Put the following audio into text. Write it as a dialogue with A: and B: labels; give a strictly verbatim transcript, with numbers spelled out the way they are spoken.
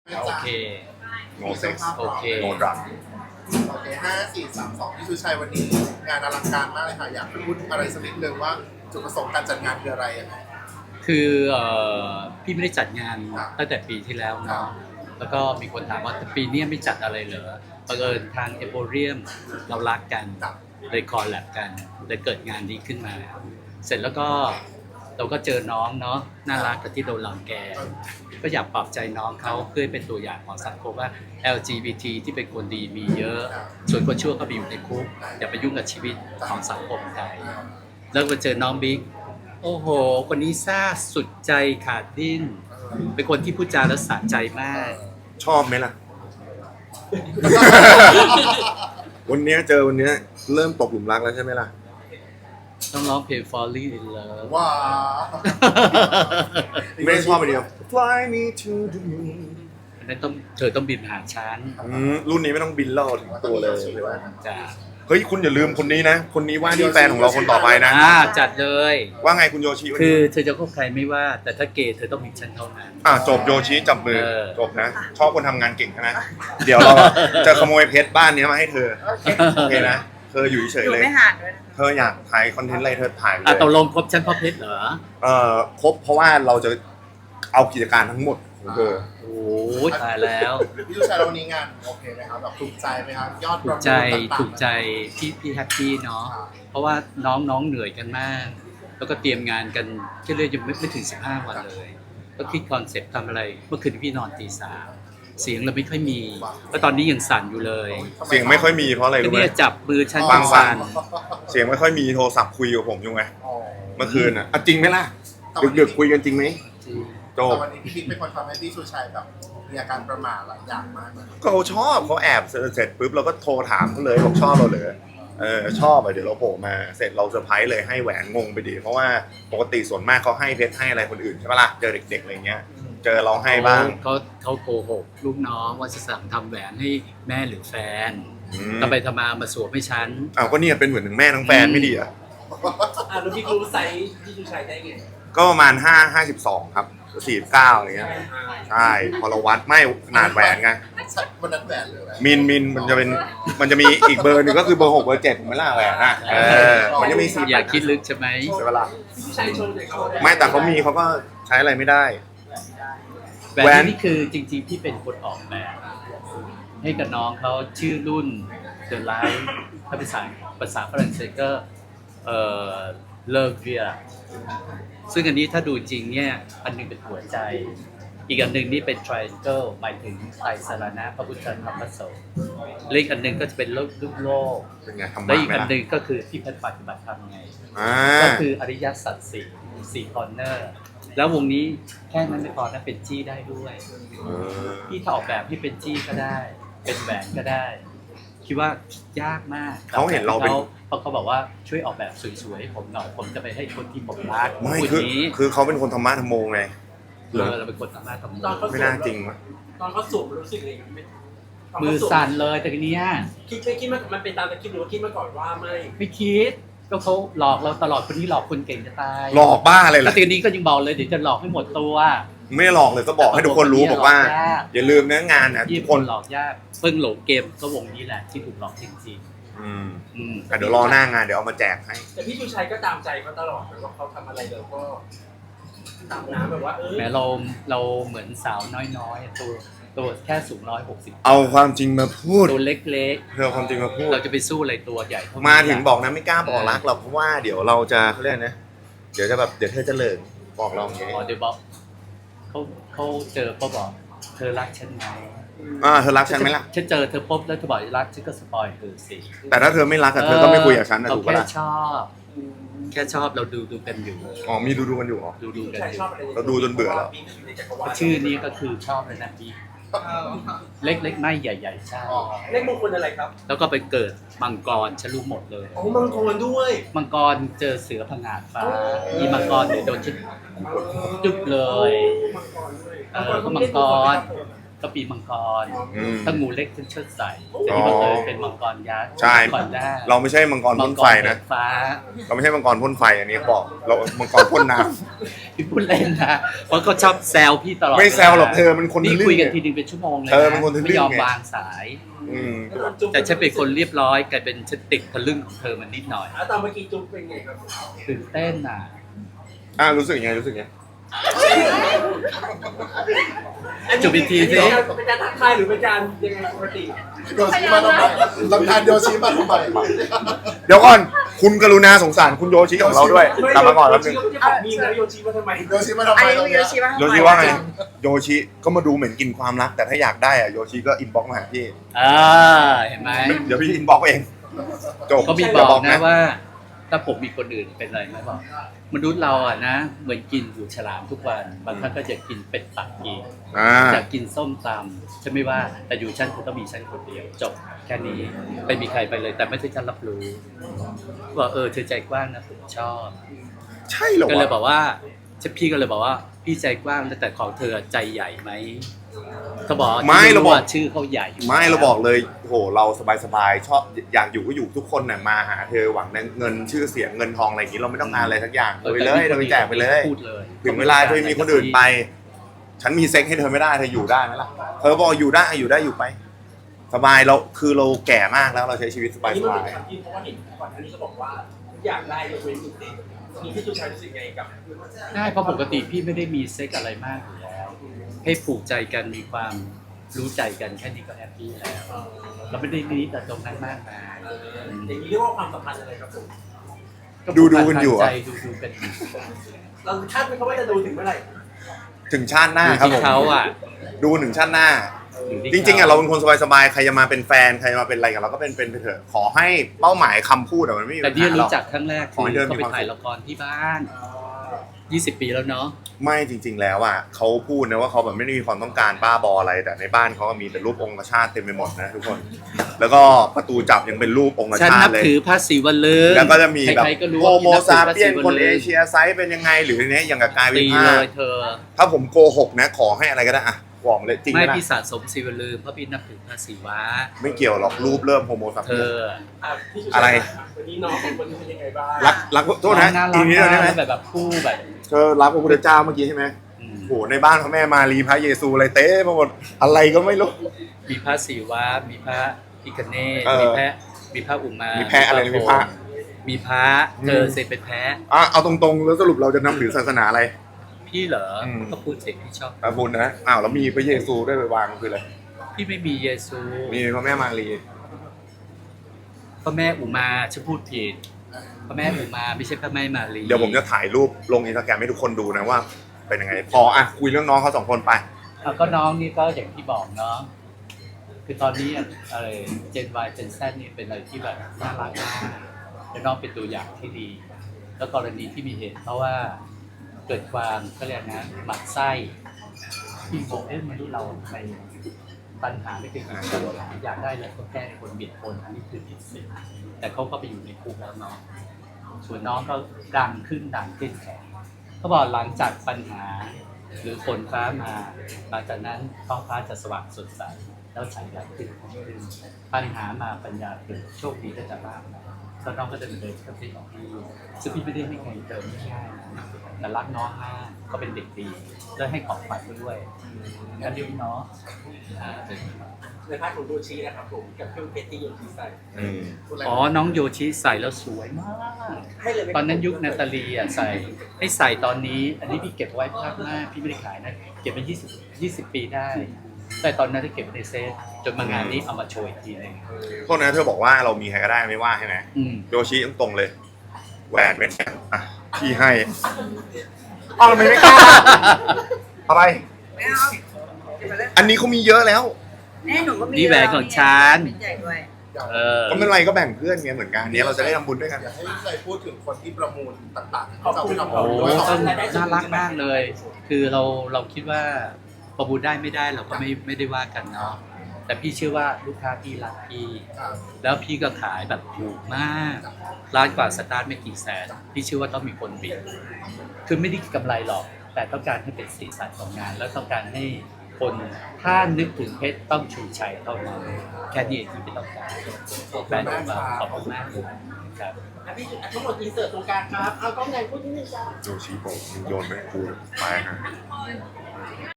A: โอเค
B: โนเซ็ก
A: โอเค
B: โนดรัก
C: โอเคห้าสี่สามสองพี่ชูชัยวันนี้งานอลังการมากเลยค่ะอยากพูดอะไรสักนิดนึงว่าจุดประสงค์การจัดงานคืออะไรยังไง
A: คือเอ่อพี่ไม่ได้จัดงาน
C: ครับ
A: ตั้งแต่ปีที่แล้ว
C: ครั
A: เนาะ
C: บ
A: แล้วก็มีคนถามว่าปีนี้ไม่จัดอะไรเหรอบังเอิญทางเอโบเรียมเรารักกัน
C: ครับ
A: เลยคอลแลบกันเลยเกิดงานนี้ขึ้นมา เสร็จแล้วก็เราก็เจอน้องเนาะน่ารักกับที่โดนหลังแก ก็อยากปลอบใจน้องเขาเพื่อให้เป็นตัวอย่างของสังคมว่า แอล จี บี ที ที่เป็นคนดีมีเยอะ ส่วนคนชั่วก็ไปอยู่ในคุกอย่าไปยุ่งกับชีวิตของสังคมไทย แล้วก็เจอน้องบิ๊กโอ้โห คนนี้ซ่าสุดใจขาดดิ้น เป็นคนที่พูดจาแล้วสะใจมาก
B: ชอบไหมล่ะ วันเนี้ยเจอวันเนี้ยเริ่มตกหลุมรักแล้วใช่ไหมล่ะ
A: ต้องร้องเพลง Falling in Love
C: ว้าว
B: ไม่ได้ชอบไปเดียว Fly me to the moon
A: อันนั้นต้องเธอต้องบินหาฉัน
B: อืมรุ่นนี้ไม่ต้องบินล่อถึงตัวเลยใช่ไหม
A: จ้ะ
B: เฮ้ยคุณอย่าลืมคนนี้นะ คนนี้ว่าที่แฟนของเราคนต่อไปนะ
A: อ่าจัดเลย
B: ว่าไงคุณโยชิวัน
A: คือ
B: นี้
A: เธอจะคบใครไม่ว่า แต่ถ้าเกย์เธอต้องมีฉันเท่านั้น
B: อ่ะจบโยชิจับมือ
A: เออ
B: จบนะ ชอบคนทำงานเก่งนะ เดี๋ยวเราจะขโมยเพชรบ้านนี้มาให้เธอ โอเคนะ เธออยู่เฉย
D: หนู
B: ๆเลย
D: ไม่ห่างด้วยนะ
B: เธออยากถ่ายคอนเทนต์อะไรเธอถ่ายไป
A: อ่ะ
B: เล
A: ตก
B: ย
A: ลงคบฉันเพราะเพชรเหรอ
B: เอ่อครบเพราะว่าเราจะเอากิจการทั้งหมดของเธอ
A: โอ้ยตายแล้ว
C: พี่ชูชัยเราวันนี้งานโอเคไหมครับแบบถูกใจไหมครับยอด
A: ถูกใจถูกใจพี่พี่แฮปปี้เนาะ เพราะว่าน้องน้องเหนื่อยกันมาก แล้วก็เตรียมงานกันแค่เรื่อยยังไม่ไม่ถึงสิบห้าวันเลย ก็คิดคอนเซ็ปต์ทำอะไร เมื่อคืนพี่นอนตีสามเสียงเราไม่ค่อยมี แล้วตอนนี้ยังสั่นอยู่เลย
B: เสียงไม่ค่อยมีเพราะอะไร
A: ก็
B: รู้ไหม
A: เนี่ยจับมือฉัน
B: บางวัน
A: สั่น
B: เสียงไม่ค่อยมีโทรศัพท์คุยกับผมอยู่ไง
C: อ๋อ
B: เมื่อคืนอ่ะอ่ะจริงไหมล่ะดึกๆคุยกันจริงไหมจบ
C: แต่วันนี้พี่บิ๊กเป็นคนทำให้พี่ชูชัยแบบมีอาการประหม่าหลายอย่างมากเลย
B: ก็เขาชอบเขาแอบเสร็จปุ๊บเราก็โทรถามเขาเลยบอกชอบเราเหรอเออชอบอ่ะเดี๋ยวเราโผล่มาเสร็จเราเซอร์ไพรส์เลยให้แหวนงงไปดี เพราะว่าปกติส่วนมากเขาให้เพชรให้อะไรคนอื่นใช่ปะล่ะเจอเด็กๆอะไรเงี้ย เจอเราให้บ้าง
A: เขาเขาโกหกลูกน้องว่าจะสั่งทำแหวนให้แม่หรือแฟน
B: อืม
A: ทำไปทำมามาสวมให้ฉัน
B: อ้าวก็เนี่ยเป็นเหมือนถึงแม่ทั้งแฟนไม่ดีอ่ะ
E: อ่ะแล้วพี่รู้ไซส์พี่ชูชัยได้ไง
B: ก็ประมาณห้าห้าสิบสองครับสี่สิบเก้าอะไรเงี้ยใช่พอเราวัดไม่ขนาดแหวนไง
C: วันนั้นแหวนเลยแหวน
B: มินมินมันจะเป็นมันจะมีอีกเบอร์หนึ่งก็คือเบอร์หกเบอร์เจ็ดผมไม่ล่าแหวนอ่ะเออมันจะมีสี่
A: อย่าคิดลึกใช่ไหม
B: ใช่ปะล่ะ
E: พี่ชูชัยโชว์เด็กเขา
B: ไม่แต่เขามีเขาก็ใช้อะไรไม่ได้
A: แหว
B: แหวน น
A: นี่คือจริงๆที่เป็นคนออกแบบ ให้กับน้องเขาชื่อรุ่น The Light ถ้าภาษาภาษาฝรั่งเศสก็เอ่อเลิกเวียซึ่งอันนี้ถ้าดูจริงเนี่ยอันหนึงเป็นหัวใจ อีกอันหนึ่งนี่เป็น triangle หมายถึงไตรสรณะพระพุทธธรรมพระสงฆ์และอีกอันหนึ่งก็จะเป็นโลกรูปโลก
B: เป็นไงทำ
A: และ
B: บ้า
A: อีก
B: ไหม
A: อัน
B: ล่ะ
A: หนึ่งก็คือที่ปฏิบัติธรรมไง
B: อ่า
A: ก็คืออริยสัจสี่สี่คอร์เนอร์ แล้ววงนี้แค่นั้นไม่พอนะเป็นจี้ได้ด้วย
B: เออ
A: พี่ถ้าออกแบบให้เป็นจี้ก็ได้ เป็นแหวนก็ได้ คิดว่ายากมาก
B: เขาเห็นเราเป็น
A: เพราะเขาบอกว่าช่วยออกแบบสวยๆให้ผมหน่อยผมจะไปให้คนที่ผมรัก
B: ไม่
A: พูด
B: คือ
A: นี้
B: คือเขาเป็นคนธรรมะธรรมโมไง
A: เออเราเป็นคนสามารถทำ
E: ตอนเขา
B: ไม่
E: สว
B: น่าม จริงวะ
E: ตอนเขาสวมรู้สึกยังไงไม่ตอน
A: มือ
E: เขาว
A: สั่นเลยแต่ทีเนี้ย
E: คิดไม่คิดมามันเป็นตามตะคิดหรือว่าคิดมาก่อนว่าไม่
A: ไม่คิดก็เขาหลอกเราตลอดคนนี้หลอกคนเก่งจะตาย
B: หลอกบ้าอะไร
A: แล้
B: ล่ะ
A: วทีนี้ก็ยังบอกเลยเดี๋ยวจะหลอกให้หมดตัว
B: ไม่ได้หลอกเลยก็บอกให้ทุกคนรู้บอกว่า
A: หลอกยาก
B: อย่าลืมนะงานอ่ะ
A: ยี่
B: ทุก
A: ค
B: คน น
A: หลอกยากเพิ่งหลงเกมก็วงนี้แหละที่ถูกหลอกจริง
B: อืม
A: ๆอืม
B: อ่ะเดี๋ยวรอหน้างานเดี๋ยวเอามาแจกให้
E: แต่พี่ชูชัยก็ตามใจเขาตลอดนะว่าเขาทำอะไรเราก็ตามน้ำแบบว่าเออ
A: แม้เราเราเหมือนสาวน้อยๆตัวตัวแค่สูงร้อยหกสิบ
B: เอาความจริงมาพูด
A: ตัวเล็ก
B: เธอเอาความจริงมาพู
A: ๆ
B: ด
A: เราจะไปสู้อะไรตัวใหญ่เท่านี้
B: มาถึงบอกนะไม่กล้าบอกรักหรอกเพราะว่าเดี๋ยวเราจะเขาเรียกนะเดี๋ยวจะแบบเดี๋ยวเธอจะเลิกบอกเราอย่างเงี้ย
A: อ๋อเดี๋ยวบอกเขาเขาเจอเขาบอกเธอรักฉันไหม
B: อ่าเธอรักฉันไหมล่ะ
A: ฉันเจอเธอปุ๊บแล้วเธอบอกรักฉันก็สปอยเธอสิ
B: แต่ถ้าเธอไม่รักอะเธอก็ไม่คุยกับฉันนะ
A: เรา
B: ถูกปะ
A: แค่
B: ล่ะ
A: ชอบ แค่ชอบเราดูดูกันอยู่
B: อ๋อมีดูดูกันอยู่เหรอ
A: ดูดู
E: พี่
A: กัน
E: ชัย
A: อ
E: ช
A: ยู่
E: อบอะไร
B: เราดูจนเบื่อแล้ว
E: พี่ก็อยู่ในจักรวาล
A: ชื่อนี้ก็คือชอบเลยนะพี่เล็กๆไม่ใหญ่ๆใช่
E: เลขมงคลอะไรครับ
A: แล้วก็ไปเกิดมังกรฉันรู้หมดเลย
E: อ๋อมังกรด้วย
A: มังกรเจอเสือผงาดฟ้าอีมังกรเดี๋ยวโดนฉันจุบเลย
E: มังกรด้วย
A: เออก็มังกรก็ปีมังกร
B: อืม
A: ถ้างูเล็กฉันเชิดใส่แต่นี่บังเอิญเป็นมังกรยักษ์
B: ใช่
A: มังกรได้
B: เราไม่ใช่มังกร
A: มั
B: พ่
A: ง
B: น
A: ก
B: ไฟ
A: ร
B: นะ
A: ฟ้า
B: เราไม่ใช่มังกรพ่นไฟอันนี้บอกเรามังกรพ่นน้
A: พี่พูดเล่นนะเพราะเขาชอบแซวพี่ตลอด
B: ำไม่แซวหรอกเธอมันคน
A: นี่
B: ทะลึ่
A: คุย
B: ง
A: กัน
B: ไง
A: ทีนึงเป็นชั่วโมงเลย
B: เธอเป็นคนทะลึ่ง
A: ไม่ยอม
B: ไง
A: วางสาย
B: อืม
A: แต่ฉันเป็นคนเรียบร้อยกลายเป็นฉันติดทะลึ่งของเธอมันนิดหน่อย
E: แล้วตอนเมื่อกี้จุ๊บเป็นไงครับ
A: ตื่นเต้นอ่ะ
B: อ่ารู้สึกยังไงรู้สึกยังไง
A: จุบอีกทีสิ
E: เป็นการทักทายหรือเป็นการยังไงปกติ
C: โยชิมาทำไมลำธารโยชิมาทำไม
B: เดี๋ยวก่อนคุณกรุณาสงสารคุณโยชิของเราด้วยกลับมาก่อนแป๊บนึง
E: โยชิก็จะบอกมีแล้วโยชิมาทำไม
C: โยชิมาทำไม
D: อันนี้
C: ตรง
D: โย
C: เนี้ย
D: ชิว่า
B: โยชิว่าไงโยชิก็มาดูเหมือนกินความรักแต่ถ้าอยากได้อะโยชิก็อินบ็อกซ์มาหาพี่
A: อ่าเห็นไหม
B: เดี๋ยวพี่อินบ็อกซ์เองจบ
A: เขามีบอกนะว่า ถ้าผมมีคนอื่นเป็นอะไรไหมบอกมนุษย์เราอ่ะนะ เหมือนกินหูฉลามทุกวันบางครั้งก็จะกินเป็ดปักกิ่ง
B: อ่า
A: อยากกินส้มตำฉันไม่ว่าแต่อยู่ฉันคือต้องมีฉันคนเดียวจบแค่นี้ไม่มีใครไปเลย แต่ไม่ใช่ฉันรับรู้ว่าเออเธอใจกว้างนะผมชอบ
B: ใช่เหรอ
A: ก็เลยว
B: ะ
A: บอกว่าพี่ก็เลยบอกว่าพี่ใจกว้างแต่ของเธอใจใหญ่ไหมเขาบอก
B: ไม่เราบอก
A: ว่าชื่อเขาใหญ่อยู่
B: ไม่เราบอกเลยโหเราสบายๆชอบอยากอยู่ก็อยู่ทุกคนน่ะมาหาเธอหวังเงินชื่อเสียงเงินทองอะไรอย่างนี้เราไม่ต้องการอะไรสักอย่างเอาไปเลยเราไปแจกไปเลย
A: พูดเลย
B: ถึงเวลาเธอมีคนอื่นไป ฉันมีเซ็กให้เธอไม่ได้เธออยู่ได้ไหมล่ะเธอบอกอยู่ได้อยู่ได้อยู่ไป สบายเราคือเราแก่มากแล้วเราใช้ชีวิตสบาย
E: นี่
B: ส
E: มัน
B: บา
E: เป็
B: ย
E: นคำที่เพราะว่าเห็นก่อนอันนี้ก็บอกว่าอยากได้ยกเว้นหนึ่งเด็กมีที่จุชัยรู้สึกไงกับ
A: ได้เพราะปกติพี่ไม่ได้มีเซ็กอะไรมากอยู่แล้ว ให้ผูกใจกันมีความรู้ใจกันแค่นี้ก็แฮปปี้แล้ว เราไม่ได้นี้แต่ตรงนั้นมากมาย
E: อย่างนี้เรียกว่าความสัมพันธ์อะไรครับผม
B: ดูดูกันอยู่
A: ใจ
B: อะ
A: ดูดูกัน
E: เราคาดไหมครับว่าจะดูถึงเมื่อไหร่
B: ถึงชาติหน้า
A: อยู่
B: ครับ
A: ที่
B: ผม
A: เขาอ่ะ
B: ดูถึงชาติหน้า
A: อยู่ที่
B: จริงๆอ่ะเราเป็นคนสบายๆใครจะมาเป็นแฟนใครจะมาเป็นอะไรกับเราก็เป็นเป็นไปเถอะขอให้เป้าหมายคำพูดอะมันไม่มี
A: แต่
B: ปัญ
A: ที่
B: หาหร
A: รู้
B: อก
A: จักครั้งแรก
B: ขอให้
A: คือ
B: เดิน
A: เขา
B: มี
A: ไป
B: ความ
A: ถ่าย
B: สุข
A: ละครที่บ้านยี่สิบปีแล้วเนาะ
B: ไม่จริง ๆ แล้วอ่ะเขาพูดนะว่าเขาแบบไม่ได้มีความต้องการบ้าบออะไรแต่ในบ้านเขาก็มีแต่รูปองค์ชาติเต็มไปหมดนะทุกคน แล้วก็ประตูจับยังเป็นรูปองค์
A: ฉัน
B: ชา
A: นั
B: ติ
A: บ
B: เลย
A: ถือพระศิวลึง
B: แล้วก็จะมีแบบ
A: ใครๆก็รู้
B: โฮ
A: ว่า
B: โม
A: พี่นับถือพระ
B: ซาเปียน
A: ศิว
B: คนเอ
A: ลึง
B: เชียไซส์เป็นยังไงหรือเนี้ยอย่างกับกายวิ
A: ตี
B: ภา
A: เล
B: ค
A: ยเธอ
B: ถ้าผมโกหกนะขอให้อะไรก็ได้อะบอกมาเลยจริง
A: ไม่
B: นะ
A: พี่สะสมศิวลึงเพราะพี่นับถือพระศิวะ
B: ไม่เกี่ยวหรอกรูปเริ่มโฮโมซา
A: เธ
B: เปียน
A: อ
E: อ่ะพี่จุชัย
B: อะไร
E: วันนี้น้องเป็นคนที่เป็นยังไงบ้าง
B: รักรักโทษนะ
A: น่า
B: อี
A: รั
B: ก
A: ก
B: นิดเดียวได้ไหม
A: แบบแบบคู่แบบ
B: เธอรักพระพุทธเจ้าเมื่อกี้ใช่ไหม
A: อืม
B: โหในบ้านพระแม่มารีพระเยซูอะไรเต้มาหมดอะไรก็ไม่รู้
A: มีพระศิวะมีพระพิคเนศ
B: เออ
A: มีแพะมีพระอุมา
B: มี
A: มี
B: แพะอะไรนะมีพระ
A: มีพระ
B: อืม
A: เจอเซเป็นแพะ
B: อ่ะเอาตรงๆแล้วสรุปเราจะนับถือศาสนาอะไร
A: พี่เหรออ
B: ม
A: ก็พูดเสียงพี่ชอบ
B: พระพุทธนะอ้าวแล้วมีพระเยซูด้วยไปวางคืออะไร
A: พี่ไม่มีเยซู
B: มีพระแม่มารี
A: พระแม่อุมาฉันพูดผิดพระแม่อุมาไม่ใช่พระแม่มารี
B: เดี๋ยวผมจะถ่ายรูปลงอินสตาแกรมให้ทุกคนดูนะว่า เป็นยังไง พออ่ะคุยเรื่องน้องเขาสองคนไป
A: อ่ะก็น้องนี่ก็อย่างที่บอกเนาะคือตอนนี้อ่ะอะไรเจน Y เจน Z นี่เป็นอะไรที่แบบน่ารักมากแล้วน้องเป็นตัวอย่างที่ดี แล้วกรณีที่มีเหตุเพราะว่าเกิดความเขาเรียกนะหมักไส้ที่บอกเอ๊ะมนุษย์เราทำไมปัญหาไม่เคยเกิดขึ้นอยากได้เลยก็แก้คนเบียดคนอันนี้คือผิดศีลแต่เขาก็ไปอยู่ในคุกแล้วเนาะส่วนน้องก็ดังขึ้นดังขึ้นแข็งเขาบอกหลังจากปัญหาหรือฝนฟ้ามาหลังจากนั้นท้องฟ้าจะสว่างสดใสแล้วใสใหญ่ขึ้นขึ้นปัญหามาปัญญาเกิดโชคดีก็จะมากนะแล้วน้องก็จะเดินกับพี่ของพี่ซึ่งพี่ไม่ได้ให้ใครเติมง่ายๆนะแต่รักน้องมากก็เป็นเด็กดีแล้วให้ของขวัญเขาด้วยกันดีเนาะอ่า
E: ในภาคของโยชินะครับผมกับเครื่องเพชรที่โยชิใส่
B: อืม
A: อ๋อ น้องโยชิใส่แล้วสวยมาก
E: ให้เลยไหม
A: ตอนนั้นยุคนาตาลีอ่ะใส่ให้ใส่ตอนนี้ อันนี้พี่เก็บไว้ภาคหน้าพี่ไม่ได้ขายนะ เก็บไปยี่สิบ ยี่สิบปีได้ แต่ตอนนั้นที่เก็บไว้ในเซฟจนมางานนี้เอามาโชว์อีกทีหนึง
B: โทษนะเธอบอกว่าเรามีใครก็ได้ไม่ว่าใช่ไหม
A: อืม
B: โยชิตรงๆเลยแหวนเป็นไงอ่ะพี่ให้อ้าวทำไมไม่กล้าอะไร
D: ไม่เอาเดี๋ยวมาเล่น
B: อันนี้เขามีเยอะแล้ว
D: แน่หนูก็มี
A: นี่แหวนของฉัน
D: ใหญ่ด้วย
A: เออ
B: ก็ไม่เป็นไรก็แบ่งเพื่อนไงเหมือนกันเนี้ยเราจะได้ทำบุญด้วยกัน
C: อยากให้ใครพูดถึงคนที่ประมูลต่างๆ
E: ขอบ
C: ที่
E: คุณ
C: เรา
E: ขอบ
C: ไป
E: คุณ
C: ทำบุญด้วย
A: ก็น่ารักมากเลย คือเราเราคิดว่าประมูลได้ไม่ได้เราก็ไม่ไม่ได้ว่ากันเนาะ แต่พี่เชื่อว่าลูกค้าพี่รักพี่
C: ครับ
A: แล้วพี่ก็ขายแบบถูกมากร้านกว่าสตาร์ทไม่กี่แสน พี่เชื่อว่าต้องมีคนบิดคือไม่ได้กำไรหรอก แต่ต้องการให้เป็นสีสันของงาน แล้วต้องการให้คนถ้านึกถึงเพชรต้องชูชัยเท่านั้นแค่นี้เองที่ไม่ต้องการแบรนด์ของเราขอบคุณมากครับ
E: อ่ะพี่อ่ะทั้งหมดอินเสิร์ตตรงกลางครับเอากล้องใหญ่พูดนิดนึงจ้า
B: โยชิโบมึงโยนไหมกูไปฮะ